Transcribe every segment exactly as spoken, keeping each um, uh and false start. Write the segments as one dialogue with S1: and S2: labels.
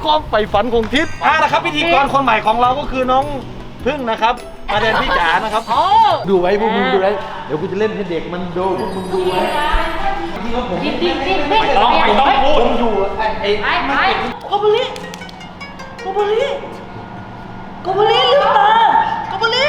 S1: ความใฝ่ฝันของทิพย์อ่ะนะครับพิธีกรคนใหม่ของเราก็คือน้องพึ่งนะครับมาแทนพี่จ๋านะครับดูไว้พวกมึงดูไว้เดี๋ยวกูจะเล่นให้เด็กมันดูพวกมึงดูไว้ที่ว่าผมไม่ต้องไม่ต้องพูดผมอยู่ไอ้ไอ้ไอ้โกบุริโกบุริโกบุริลืมตาโกบุริ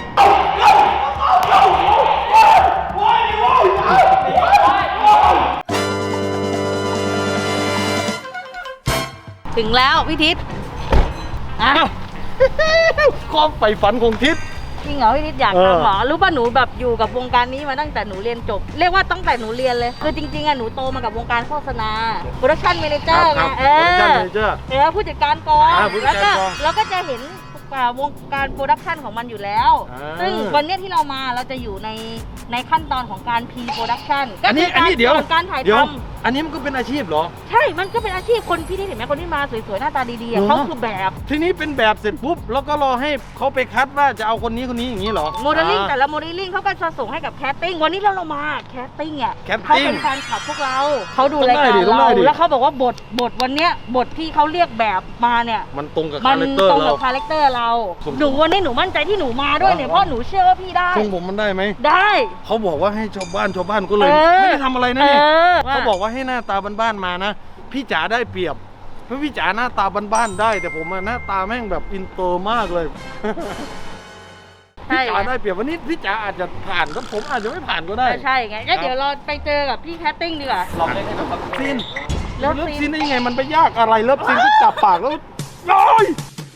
S2: ถึงแล้วพี่ทิพย์อ่ะ
S1: ความใฝ่ฝันของทิพย์
S2: จริงเหรอพี่ทิพย์อยากทำเหรอรู้ป่ะหนูแบบอยู่กับวงการนี้มาตั้งแต่หนูเรียนจบเรียกว่าตั้งแต่หนูเรียนเลยคือจริงๆอะหนูโตมากับวงการโฆษณาโปรดักชั่นเมเนเจอร์ไงเออเออผู้จัดการกองแล้วก็แล้วก็จะเห็นวงการโปรดักชันของมันอยู่แล้วซึ่งวันนี้ที่เรามาเราจะอยู่ในในขั้นตอนของการพรีโปรดักชันก็คือการการถ่ายทำ
S1: อันนี้มันก็เป็นอาชีพเหรอ
S2: ใช่มันก็เป็นอาชีพคนพี่ที่เห็นไหมคนที่มาสวยๆหน้าตาดีๆเขาคือแบบ
S1: ทีนี้เป็นแบบเสร็จปุ๊บแล้วก็รอให้เขาไปคัดว่าจะเอาคนนี้คนนี้อย่างนี้เหรอ
S2: โมเดลลิ่งแต่ละโมเดลลิ่งเขาก็จะส่งให้กับแคสติ้งวันนี้เราเรามาแคสติ้งอ่ะเขาเป็นแฟนคลับพวกเราเขาดูรายการเราแล้วเขาบอกว่าบทบทวันนี้บทที่เขาเรียกแบบมาเนี่ย
S1: มันตรงกับคาแรคเตอร์เรา
S2: ตรงกับคาแรคเตอร์เราหนูวันนี้หนูมั่นใจที่หนูมาด้วยเนี่ยเพราะหนูเชื่อว่าพี่ได้
S1: ทรงผมมันได้ไหม
S2: ได้
S1: เขาบอกว่าให้ชาวบ้านชาวบ้านก็เลยไม่ได้ทำอะไรนะนี่เขาบอกว่าให้หน้าตาบ้านๆมานะพี่จ๋าได้เปรียบเพราะพี่จ๋าหน้าตาบ้านๆได้แต่ผมหน้าตาแม่งแบบอินเตอร์มากเลยพี่จ๋าได้เปรียบวันนี้พี่จ๋าอาจจะผ่านก็ผมอาจจะไม่ผ่านก็ได้
S2: ใช่ไงงั้นเดี๋ยวเราไปเจอกับพี่แคสติ้งดีกว่า
S1: ลองเล่นนะครับซีนเลิฟซีนได้ยังไงมันไปยากอะไรเลิฟซีนก็จับปากแล้วน้อย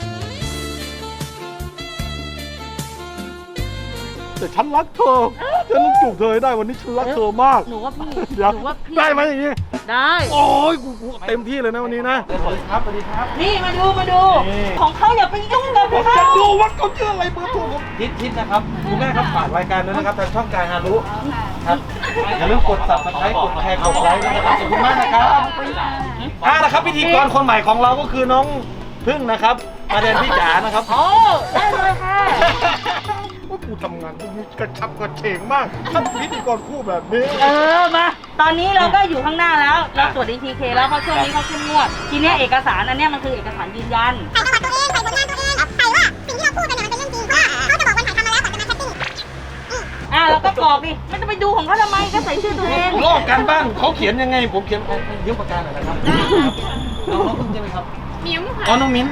S1: แต่ฉันรักเธอฉันต้องจูบเธอได้วันนี้ฉันรักเธอมาก
S2: หนูว่าพี่หนูว่าพี่
S1: ได้ไหมอย่างนี้
S2: ได้
S1: โอ้ยกูเต็มที่เลยนะวันนี้นะสวัสดีครับสวัสดีครับ
S2: นี่มาดูมาดูของเขาอย่าไปยุ่งกับเขา
S1: จะดูวัดเขาชื่ออะไรเบอร์โทรผมทิศทิศนะครับคุณแม่ครับฝากรายการด้วยนะครับทางช่องการฮารุครับอย่าลืมกด ซับสไครบ์ กดแชร์กดไลค์นะครับขอบคุณมากนะครับอ่านะครับพิธีกรคนใหม่ของเราก็คือน้องพึ่งนะครับมาแทนพี่จ๋านะครับ
S2: โอ้ได้เลยค่ะ
S1: ว่ากูทำงานกูกระชับกระเฉงมากทำพิธีกรคู่แบบนี้
S2: เออมาตอนนี้เราก็อยู่ข้างหน้าแล้วเราตรวจ ดี ที เค แล้วเพราะช่วงนี้เขาเข้มงวดทีนี้เอกสารอันนี้มันคือเอกสารยืนยัน
S3: ใส่ประวัติตัวเองใส่ผลงานตัวเองใส่ว่าสิ่งที่เราพูดกันเนี่ยมันเป็นเรื่องจริงเพราะเขาจะบอกวันถ่ายทำมาแล้วก่อนจะมาแคสติ้ง
S2: อ่าเราก็กรอกดิไม่ต้องไปดูของเขาทำไมก็ใส่ชื่อตัวเอง
S1: ลอกกันบ้างเขาเขียนยังไงผมเขียนยืมปากกาหน่อยนะครับน้องพึ่งใช่ไหมครับมิ้มค่ะอ๋อน้องมิ้น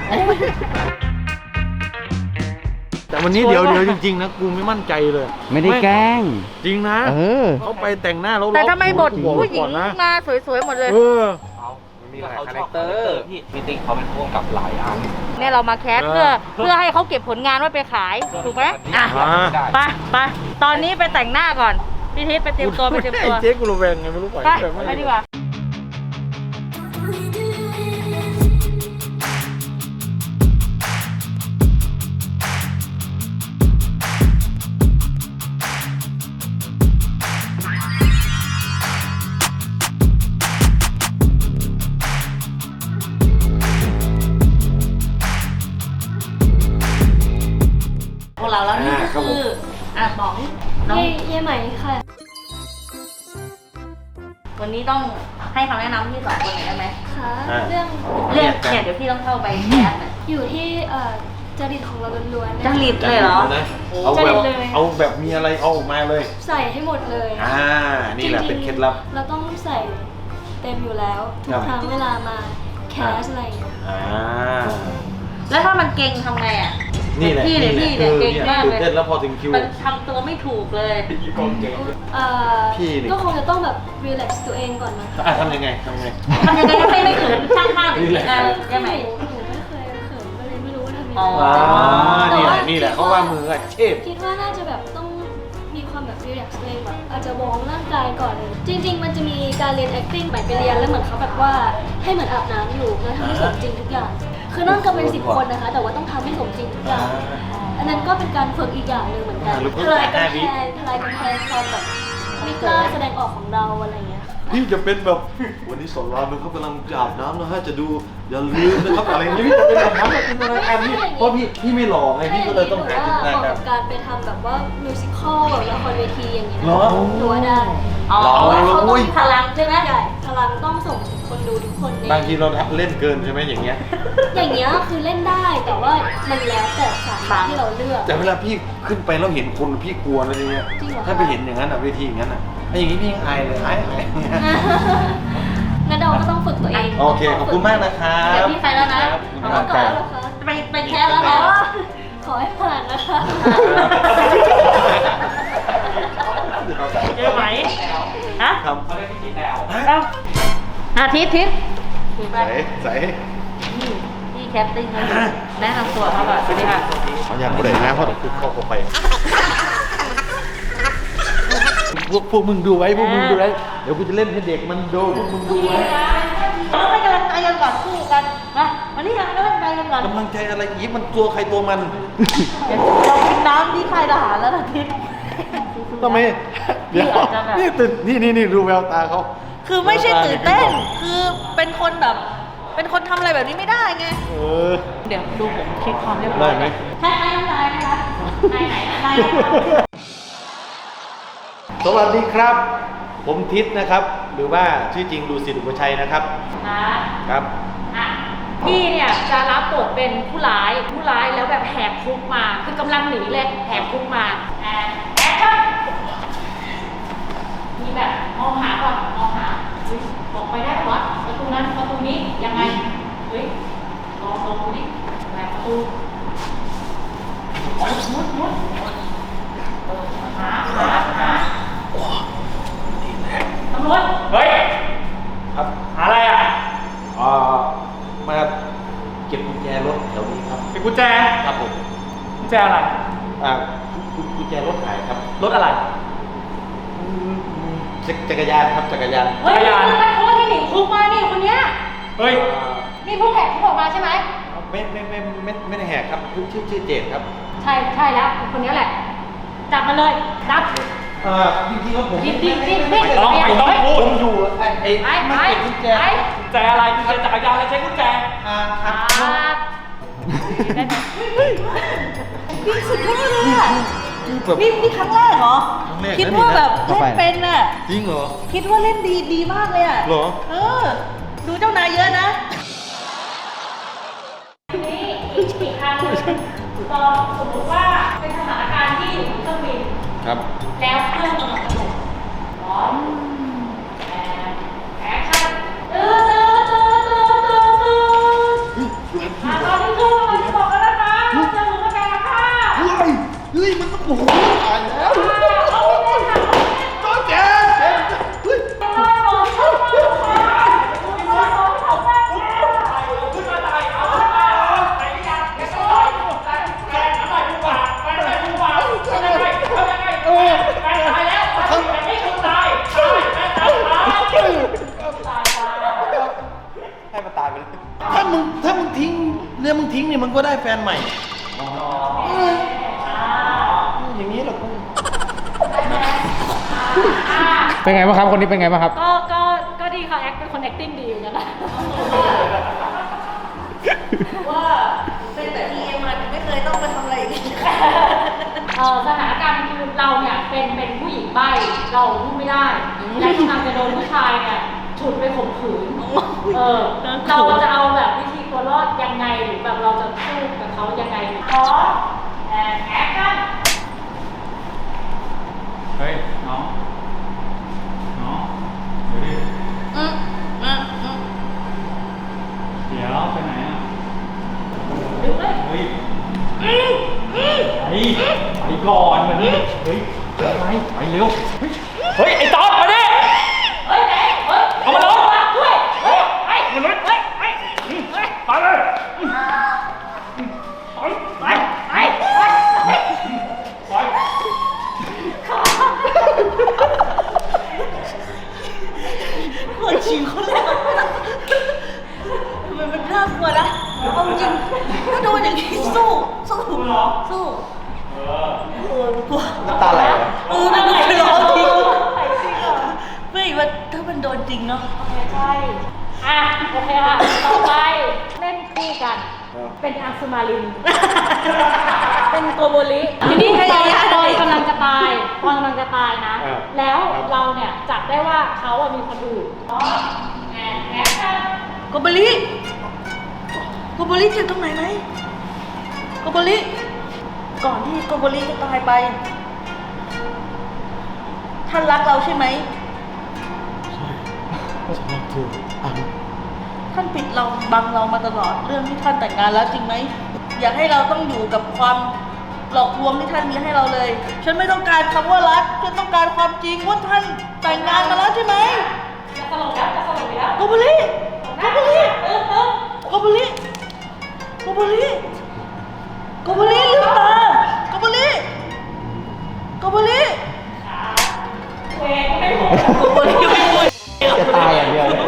S1: แต่วันนี้เดี๋ยวเดี๋ยวจริงๆนะกูไม่มั่นใจเลย
S4: ไม่ได้แกล้ง
S1: จริงนะ
S4: เออ
S1: เขาไปแต่งหน้าแล้ว
S2: แต่ทำไมบทผู้หญิงมาสวยๆหมดเลย
S1: เออ
S5: มีหลายคาแรคเตอร์พี่พี่ติ๊กเขาเป็นพวกกับหลายอัน
S2: เนี่ยเรามาแคสเพื่อเพื่อให้เขาเก็บผลงานไว้ไปขายถูกไหมอ่ะไปไปตอนนี้ไปแต่งหน้าก่อนพี่ทิศไปเตรียมตัวไปเตรียมตัว
S1: เจ๊กูระแวงไงไม่รู้ไป
S2: ไปดีกว่าพวกเราแล้วนี่ก็คืออ่ะบอกน้อง
S3: เย่ใหม่ค่ะ
S2: วันนี้ต้องให้คำแนะนำที่สองคนหน่อยได้ไหม
S3: ค่ะเรื่อง
S2: เรื่องเนี่ยเดี๋ยวพี่ต้องเข้าไปแคส
S3: อยู่ที่จริตของเราล้วน
S2: ๆจริตเลยเหรอ
S1: เอาแบบเอาแบบมีอะไรเอาออกมาเลย
S3: ใส่ให้หมดเลย
S1: อ่านี่แหละเป็นเคล็ดลับ
S3: เราต้องใส่เต็มอยู่แล้วทุกครั้งเวลามาแคสอะไรอ่า
S2: แล้วถ้ามันเก่งทำไงอ่ะ
S1: นี่แหละ
S2: พี่เลยพี่เลยเก่งมากเลย
S1: แล้วพอถึงคิว
S2: มันทำตัวไม่ถูกเลย
S3: พี่ก็คงจะต้องแบบรีแลกซ์ตัวเองก่อนนะ
S1: อ่ะทำยังไงทำยังไง
S2: ทำยังไงให้ไม่เขินช่างภาพ
S3: เลย
S2: อ่ะ
S3: ยังไงหนูไม่เคยเขินก็เลยไม่รู้ว่าทำยังไง
S1: อ๋อนี่แหละนี่แหละเขาว่ามืออาชีพ
S3: คิดว่าน่าจะแบบต้องมีความแบบรีแลกซ์ตัวเองแบบอาจจะวอร์มร่างกายก่อนเลยจริงๆมันจะมีการเรียน acting ไปไปเรียนแล้วเหมือนเขาแบบว่าให้เหมือนอาบน้ำอยู่แล้วทำให้สมจริงทุกอย่างคือนั่งกันเป็นสิบคนนะคะแต่ว่าต้องทำให้สมจริงทุกอย่างอันนั้นก็เป็นการฝึกอีกอย่างหนึ่งเหมือนกันทลายกำแพงทลายกำแพงความแบบไม่กล้าแสดงออกของเราอะไรเงี้ย
S1: พี่จะเป็นแบบวันนี้สอนรามมันเขากำลังอาบน้ำนะฮะจะดูอย่าลืมนะครับอะไรนี้พี่จะเป็นแบบนั้นเป็นอะไรกันพี่เพราะพี่พี่ไม่หล่อไงพี่ก็เลยต้องหาจุดแตกกัน
S3: การไปทำแบบว่ามิวสิควลแบบละครเวทีอย่างเงี้ยหรอตัวได้
S2: อ๋อเขาต้องพลังใช่ไหม
S3: ใช่พลังต้องส่งคนดูทุกคนใน
S1: บางทีเราเล่นเกินใช่ไหมอย่างเงี้ย
S3: อย่างเงี้ยคือเล่นได้แต่ว่ามันแล้วแต่สาขาที่เราเลือก
S1: แต่เวลาพี่ขึ้นไปแล้วเห็นคนพี่กลัวนะอย่างเงี้ย
S3: จริงเหรอคะ
S1: ถ้าไปเห็นอย่างนั้นอ่ะเวทีอย่างนั้นอ่ะไอ้อย่างงี้พี่ยังอายเลยอายอาย
S3: งั้นเราก็ต้องฝึกตัวเอง
S1: โอเคขอบคุณมากนะครับ
S2: เดี๋ยวพี่ไปแล้วนะ
S1: ครับ
S3: เอามาก่อนแล้วเหรอคะ
S2: ไปไปแค่แล้ว
S3: อ๋
S2: นะ
S3: อขอให้ผ่านนะคะ
S2: เจอไหมฮะ
S1: ครับ
S5: เขาเรียกพี่จิ๊บแล้ว
S2: เอาอาทิตย์ทิศ
S1: ใส่ใส่
S2: นี่พี่แคปติ้งเขาอยู่แนะนำตัวเขาก่อนสวัสดีค่ะ
S1: เขาอยากกูเลยนะเพราะเดี๋ยวกูเข้าเข้าไปพวกพวกมึงดูไว้พวกมึงดูไว้เดี๋ยวกูจะเล่นให้เด็กมันดูพวกมึงดูไว้
S2: เราให้กำลังใจกันก่อนคู่กันมาวันนี้เราให้กำลังใจกันก่อน
S1: กำลังใจอะไรอีกมันตัวใครตัวมัน
S2: เดี๋ยวเรากินน้ำที่ค่ายทหารแล้วนะทิศ
S1: ทำไมเดี๋ยว
S2: อาจจะแบบ
S1: นี่ตื่นนี่นี่นี่ดูแววตาเขา
S2: คือไม่ใช่ตื่นเต้น คือเป็นคนแบบ เป็นคนทำอะไรแบบนี้ไม่ได้ไง
S1: เออ
S2: เดี๋ยวดูผมเช็คความเรียบร้อย
S1: ได้ไหม
S2: ใช่ไหมน้ำลายนะคะนายไหนนายไหน
S1: สวัสดีครับ ผมทิศนะครับ หรือว่าชื่อจริงดูสิทธิ์อุปชัยนะครับ
S2: ค่ะ
S1: ครับ
S2: อ่ะพี่เนี่ยจะรับบทเป็นผู้ร้ายผู้ร้ายแล้วแบบแหกคุกมาคือกำลังหนีเลยแหกคุกมาแอนแอคชั่นมีแบบมองหาก่อนมองหาเฮ้ยออกไปได้ปะวะประตูนั้นประตูนี้ยังไงเฮ้ยลองลองดูดิแหวกประตูมุดมุดมุดเออหาหาหาตำรวจ
S5: เฮ้ย
S1: ครับ
S5: หาอะไรอ่ะ
S1: เอ่อมาเก็บกุญแจรถแถวนี้ครับ
S5: เป็นกุญแจ
S1: ครับผม
S5: กุญแจอะไร
S1: อ่ากุญกุญแจรถหายครับ
S5: รถอะไร
S1: อืมจักจักรยานครับจักรยาน
S2: เฮ้ยนี่คือนักโทษที่หนีคุกมานี่คนเนี้ย
S5: เฮ้ย
S1: อ่า
S2: นี่ผู้แหกคุกออกมาใช่ไหม
S1: ไม่ไม่ไม่ไม่ไม่ได้แหกครับชื่อชื่อชื่อเจดครับ
S2: ใช่ใช่แล้วคนนี้แหละ จับมาเลยจับ
S1: เอ่อจริงๆแล้วผม
S2: ดิบดิบดิบดิบ
S5: ไม่ต้องไม่ต้องพูด
S1: ผมอยู่ไอ้ไอ้
S2: ไอ้
S1: มัน
S2: ไอ้
S1: เก็บกุญแจ
S2: ไอ้
S5: กุญแจอะไรกุญแจจักรยานอะไรใช้กุญแจ
S1: อ่าค
S2: อ่า
S1: รับ
S2: ได้ไหมพี่สุดยอดเลยอ่ะ
S1: คือแบบ
S2: นี่นี่ครั้งแรกเหรอ
S1: ครั้งแรก
S2: คิด
S1: นะนี่
S2: ว่า
S1: นะ
S2: แบบ
S1: เข้า
S2: เล่
S1: ไป
S2: นเป็นอ่ะ
S1: จริงเหรอ
S2: คิดว่าเล่นดีดีมากเลยอ่ะ
S1: เหรอ
S2: เออ ดูเจ้านายเยอะนะทีนี้อีกอีกครั้งหนึงลองสมมติว่าเป็นสถานการณ์ที่อยู่บนเครื่องบิน
S1: ครับ
S2: แล้วเครื่องกำลังจะตกพร้อมแอนแอคชั่นตื่นตื่นตื่นตื่นตื่นตื่นอ่ะตอนนี้เครื่องกำลังจะตกแล้วนะคะจะหมุนกระแสค่ะ
S1: เฮ้ยเฮ้ยมันต้องโอ้โหตายแล้ว
S2: เอาไปเลยค่ะ
S1: จ้าเจนเจนเฮ้ย
S2: เอาไปเลยค่ะเอาไปเลยค่ะเอาไปเลยค่ะ
S5: ขึ้นมาตายเอาขึ้นมาเอาไปหรือยังแกต้องตายแกแกอะไรกูบาแกอะไรกูบาทำยังไงทำยังไงแกตายแล้วทำแบบนี้คุณตายตายแกตายตาย
S1: ให้มันตายไปเลยถ้ามึงถ้ามึงทิ้งเนี่ยมึงทิ้งเนี่ยมันก็ได้แฟนใหม่เอออย่างนี้เหรอกู
S5: เป็นไงบ้างครับคนนี้เป็นไงบ้างครับ
S2: ก็ ก็ ก็ดีค่ะ แอคเป็นคน acting ดีอยู่นะว่าเป็นแต่ที่เอ็มมันไม่เคยต้องไปทำอะไรอย่างนี้เออสถานการณ์คือเราเนี่ยเป็น เป็นผู้หญิงใบ้ เราพูดไม่ได้ และกำลังจะโดนผู้ชายเนี่ยฉุดไปข่มขืน เออ เราจะเอาแบบวิธีตัวรอดยังไง หรือแบบเราจะสู้กับเขายังไงพร้อมแอนแอคชั่น
S5: เฮ้ยน้องน้องเดี๋ยวดิ
S2: อืมอืมอืม
S5: เดี๋ยวไปไหนอ่ะ
S2: ดึงเลย
S5: เฮ้ยไปไปก่อนมาดิเฮ้ยไปไปเร็วเฮ้ยเฮ้ยไอ้ต๊อบมาดิ
S2: เฮ้ยไหนเฮ้ย
S5: เอามาลง
S2: ด้วยเฮ้ยไป
S5: มาเลย
S2: เฮ้ยไปเฮ้ย
S5: ไปเลย
S2: ไปไปไปไป
S5: ไป
S2: คนชิงคนแรกทำไมมันน่ากลัวนะเอาจริงถ้าโดนอย่างนี้สู้สู้สู้
S5: เออ
S2: โอ้ยกลัว
S1: น้ำตาไหลเหรอ
S2: เออมันไหลร้องจริงไหลจริงเหรอไม่ว่าถ้ามันโดนจริงเนาะใช่อ่ะโอเคค่ะต่อไปเล่นคู่กัน เป็นอังสุมาลิน เป็นโกโบลิทีนี้ตอนตอนกำลังจะตายตอนกำลังจะตายนะ แล้วเราเนี่ยจับได้ว่าเขาอะมีคนอื่นแอโกโบริโกโบริเจ็บตรงไหนไหมโกโบริก่อนที่โกโบริจะตายไปท่านรักเราใช่ไหมท่านปิดเราบังเรามาตลอดเรื่องที่ท่านแต่งงานแล้วจริงไหมอยากให้เราต้องอยู่กับความหลอกลวงที่ท่านมีให้เราเลยฉันไม่ต้องการคำว่ารักฉันต้องการความจริงว่าท่านแต่งงานมาแล้วใช่ไหมจะสลบแล้วจะสลบแล้วโกโบริโกโบริโกโบริโกโบริโกโบริลืมตาโกโบริโกโบริโกโบริไม่พูด
S1: จะตายอย่างเดียวเลย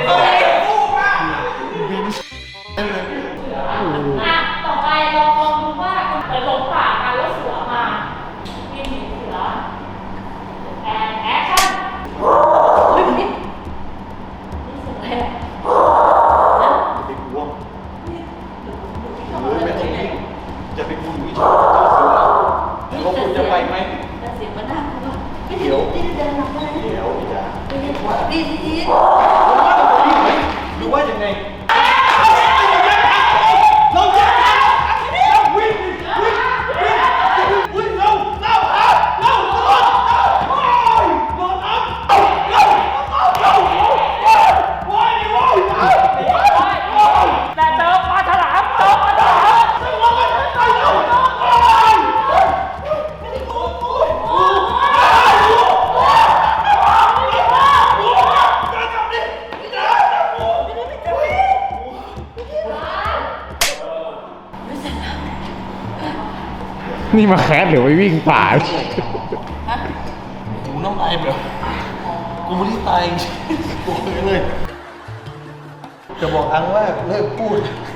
S5: อ่ะต่อไปลองลองดูว่าเปิดลงป่ากันแล้วเสือมาวิ่งหนีเสือแอนแอคชั่นเฮ้ยนี่เสืออะไร
S1: ไปกลัวเฮ้ยไม่ต้องวิ่งจะไปกลัวอยู่ที่ชอบเจ้าเสือแล้วก็คุณจะไปไหม
S2: แต่เสียงมันน่ากลัวไม่
S1: เดี๋ยว
S2: ได้เดินหลังไป
S1: เดี๋ยวอย่า
S2: ดีดีดี
S1: หรือว่ายังไงเราจะเราวิ่งวิ่งวิ่งวิ่งเราเราเราเราโอ้ยโดนน้ำเราเราเราโอ้ยโอ้ย
S5: แต่เจอปลาฉลามเจอปลาฉลาม
S1: เราไปไปเราโอ้ย
S4: นี่มาแคสหรือไปวิ่งป่า
S1: หูน้ำลายแบบกูไม่ได้ตายจริงๆกูเลย จะบอกอังว่าเลิกพูด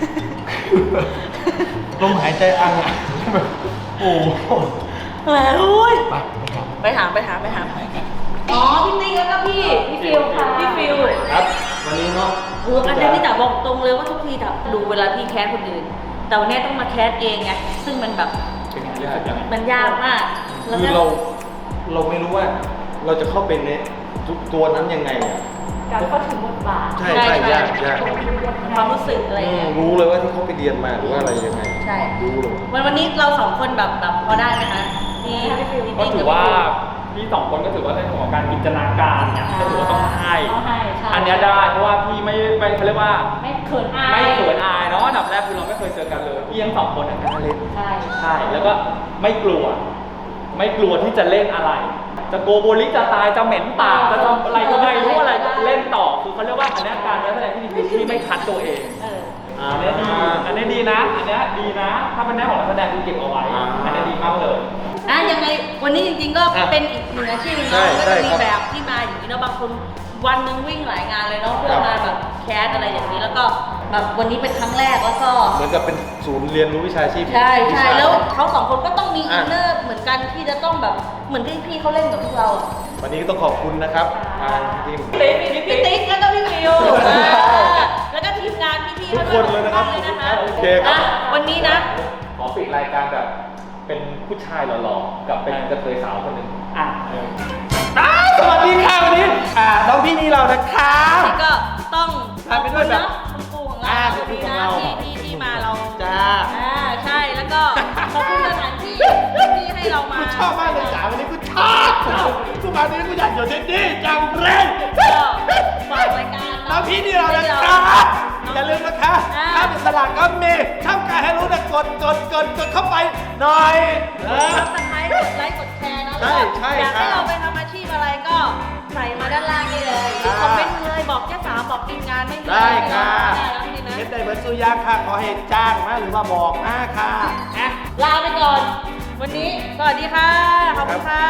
S1: ลมหายใจอังอะแบบโอ้โห
S2: แหมอุ้ยไปหาไปหาไปหาอ๋อพี่ติ๊กแล้วก็พี่พี่ฟิวค่ะพี่ฟิว
S1: ครับ วันนี้เนาะ
S2: เอออันนี้พี่จ๋าบอกตรงเลยว่าทุกทีจ๋าดูเวลาพี่แคสคนอื่นแต่วันนี้ต้องมาแคสเองไงซึ่งมันแบบ
S1: เป็นยากจัง
S2: มันยากมากแล้ว
S1: คือ
S2: ก็
S1: เราเราไม่รู้ว่าเราจะเข้าไปในตัวนั้นยังไงอะ
S5: การเข้าถึงบทบาท
S1: ใช่ใช่ยากยาก
S2: ความรู้สึกอะไร
S1: อื
S2: อย่าง
S1: ม
S2: เงี้ย
S1: รู้เลยว่าที่เขาไปเรียนมาหรือว่าอะไรยังไง
S2: ใช่
S1: รู้เลย
S2: วันวันนี้เราสองคนแบบแบบพอได้ไหมคะพี่พี่ฟิวพี่
S6: ก็
S2: ติ๊ก
S6: ถือว่าพี่สองคนก็ถือว่าในส่วนของการจินตนาการเนี่ยก็ถือว่าต้องให้
S5: ต้องให้ใช่
S6: อันเนี้ยได้เพราะว่าพี่ไม่ไม่เขาเรียกว่า
S5: ไม่เขินอาย
S6: ไม่เขินอายเนาะอันดับแรกคือเราไม่เคยเจอกันเลยพี่ยังสองคนอ่ะการเล่น
S5: ใช่
S6: ใช่แล้วก็ไม่กลัว ไม่กลัวที่จะเล่นอะไร จะโกโบลิจะตายจะเหม็นปากจะทำอะไรก็ไม่รู้อะไรก็เล่นต่อคือเขาเรียกว่าอันเนี้ยการแสดงที่ดีคือที่ไม่คัดตัวเอง
S5: เออ
S6: อันเนี้ยดีอันเนี้ยดีนะ อันเนี้ยดีนะ ถ้าเป็นแน่ของนักแสดงคือเก็บเอาไว้ อันเนี้ยดีมากเลย
S2: อ่ะยังไงวันนี้จริงๆก็เป็นอีกหนึ่งอาชีพหนึง
S1: ใช่
S2: เนาะก็
S1: ใช่
S2: จะมี
S1: ครับ
S2: แบบที่มาอย่างนี้เนาะบางคนวันหนึงวิ่งหลายงานเลยเนาะเพื่อมาแบบแคสอะไรอย่างนี้แล้วก็แบบวันนี้เป็นครั้งแรกแล้วก็
S1: เหมือนกับเป็นศูนย์เรียนรู้วิชาชีพ
S2: ใช่ใช่
S1: วิา
S2: แล้วเขาสองคนก็ต้องมีอิ
S1: อ่ะ
S2: นเนอร์เหมือนกันที่จะต้องแบบเหมือนที่พี่เขาเล่นกับพวกเราอะ
S1: วันนี้ก็ต้องขอบคุณนะครับทางทีม
S2: พี่ติ๊กแล้วก็พี่ฟิวอ่าแล้วก็ทีมงานพี่ๆ
S1: ทุกคนเลยนะครับ
S2: ทุกเลยนะคะ
S1: โอเคครับ
S2: อ่ะวันนี้นะ
S6: ขอปิดรายการแบบเป็นผู้ชายหล่อๆ กับเป็นกระเทยสาวคนหนึ่งอ่ะเออ
S1: อ้าวสวัสดีค่ะวันนี้อ่าน้องพี่นี่เรานะคะ
S2: นี่ก็ต้อง
S1: พาไปด้วยแบบ
S2: คุณครูของเรา
S1: อ่า
S2: วันนี้
S1: คุณครูของ
S2: นะ
S1: เรา
S2: ที่ที่ที่มาเรา
S1: จ้า
S2: อ่าใช่แล้วก็ขอบคุณสถานที่ที่ให้เรามา
S1: กูชอบมากเลยจ๋าวันนี้กูชอบกูมาวันนี้กูอยากอยู่ที่นี่จังเลย
S2: ก็ฝากรายการ
S1: น้องพี่นี่เรานะคะ อย่าลืมนะคะ
S2: อ่า
S1: ถ้าเป็นสลากก็มีช่องการให้รู้นะกดกดกดกดเข้าไปหน่อยเออ
S2: ซับสไครต์กดไลค์กดแชร์นะ
S1: ใช่ใช่
S2: อยากให้
S1: ครับ
S2: เราไปทำอาชีพอะไรก็ใส่มาด้านล่างได้เลยหรือ
S1: อ่า
S2: คอมเมนต์เลยบอกแค่สามบอกทีมงานไม่มี
S1: ได้ค่ะ
S2: ได้แล้วนี่นะ
S1: เฮ็ดได้เหมือนสุยางค่ะขอให้จ้างมาหรือว่าบอกมาค่ะ
S2: อ่ะลาไปก่อน วันนี้สวัสดีค่ะขอบคุณค่ะ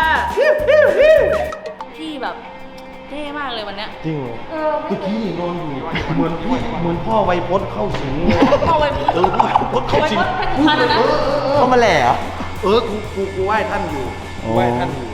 S2: พี่แบบเท่มากเลยวันเนี้ย
S1: จริงเหรอ
S2: เออ
S1: เมื่อกี้นอนอยู่เหมือนพี่เหมือนพ่อไวยพจน์เข้าสิงเลย
S2: พ่อไวยพจน์
S1: เออพ่อไวยพจน์เข้าสิง
S2: ไวยพจน์เป็นพันอะนะ
S1: เข้ามาแหล่เออกูกูกูไหว้ท่านอยู่กูไหว้ท่านอยู่